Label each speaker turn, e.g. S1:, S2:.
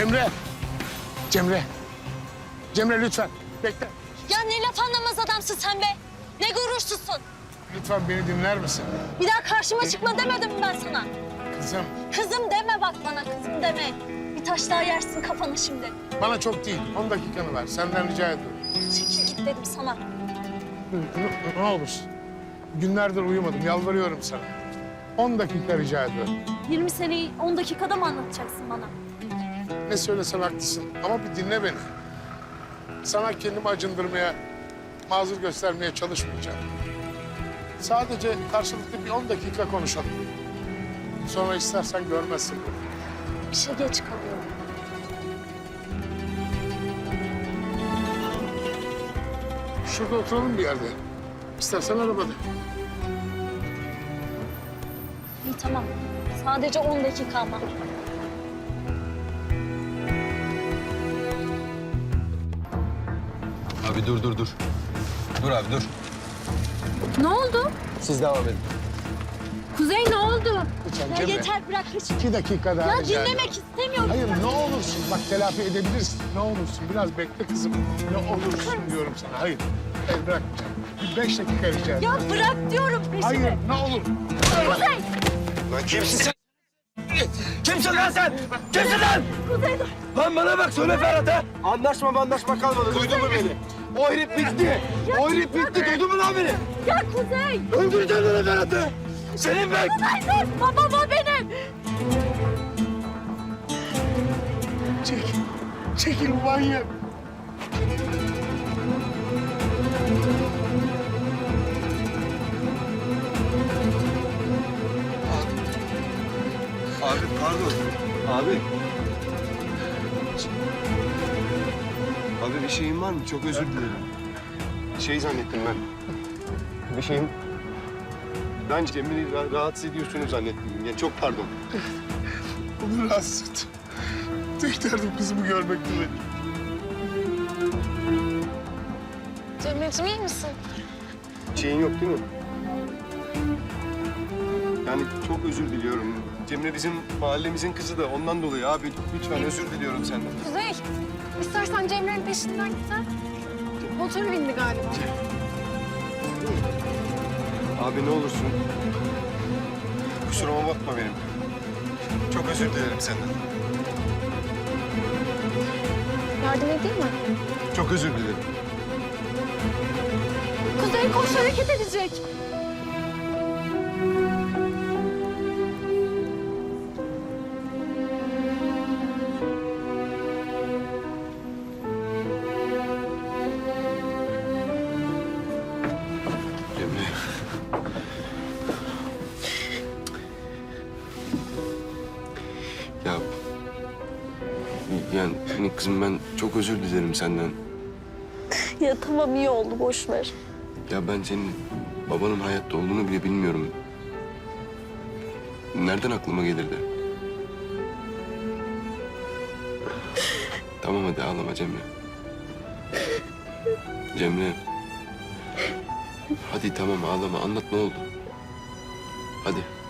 S1: Cemre! Cemre! Cemre lütfen bekle.
S2: Ya ne laf anlamaz adamsın sen be. Ne gurursuzsun.
S1: Lütfen beni dinler misin?
S2: Bir daha karşıma çıkma demedim mi ben sana?
S1: Kızım
S2: Kızım deme bak bana, kızım deme. Bir taş daha yersin kafanı şimdi.
S1: bana çok değil 10 dakikanı ver senden rica ediyorum.
S2: Çekil git dedim sana.
S1: Ne olursun. Günlerdir uyumadım yalvarıyorum sana. 10 dakika rica ediyorum.
S2: 20 seneyi 10 dakikada mı anlatacaksın bana?
S1: Ne söylesem haklısın ama bir dinle beni. Sana kendimi acındırmaya, mazur göstermeye çalışmayacağım. Sadece karşılıklı bir 10 dakika konuşalım. Sonra istersen görmezsin.
S2: İşe geç kalıyorum.
S1: Şurada oturalım bir yerde. İstersen arabada.
S2: İyi tamam. Sadece 10 dakika ama.
S3: Abi dur. Dur abi dur.
S2: Ne oldu?
S3: Siz devam edin.
S2: Kuzey ne oldu?
S1: Lütfen
S2: Ya
S1: Cemre.
S2: yeter bırak hiç.
S1: 2 dakika daha
S2: Ya
S1: rica ediyorum.
S2: dinlemek istemiyorum.
S1: Hayır ne olursun bak telafi edebilirsin. Ne olursun biraz bekle kızım. Ne olursun diyorum sana. Hayır. Hayır bırakmayacağım. Bir 5 dakika rica ediyorum.
S2: Ya bırak diyorum peşimi.
S1: Hayır ne olur.
S2: Kuzey!
S3: Lan kimsin sen? Kimsin lan sen? Kimsin lan?
S2: Kuzey dur.
S3: Lan bana bak söyle Ferhat'a. Anlaşma kalmadı. Duydun mu beni? O herif bitti. O herif bitti. Duydun mu lan beni?
S2: Ya Kuzey!
S3: Öldüreceğim lan Ferhat'ı. Senin ben.
S2: Kuzey dur! Babam o benim!
S1: Çekil. Çekil manyak.
S3: Abi pardon. Abi. Abi bir şeyin var mı? Çok özür dilerim. Şey zannettim ben. Bir şeyin... Ben Cemil'i rahatsız ediyorsunuz zannettim. Ya çok pardon.
S1: Onu rahatsız ettim. Tek derdim kızımı görmekti benim.
S2: Cemre'cim iyi misin?
S3: Şeyin yok değil mi? Yani çok özür diliyorum. Cemre bizim mahallemizin kızı da ondan dolayı abi. Lütfen özür diliyorum senden.
S4: Kuzey, istersen Cemre'nin peşinden git ha. Motoru bindi galiba.
S3: Abi ne olursun. Kusuruma bakma benim. Çok özür dilerim senden.
S4: Yardım edeyim mi?
S3: Çok özür dilerim.
S4: Kuzey koş, hareket edecek.
S3: Cemre. Ya... Yani kızım ben çok özür dilerim senden.
S2: Ya tamam iyi oldu boş ver.
S3: Ya ben senin babanın hayatta olduğunu bile bilmiyorum. Nereden aklıma gelirdi? Tamam hadi ağlama Cemre. Cemre. Hadi tamam ağlama anlat ne oldu? Hadi.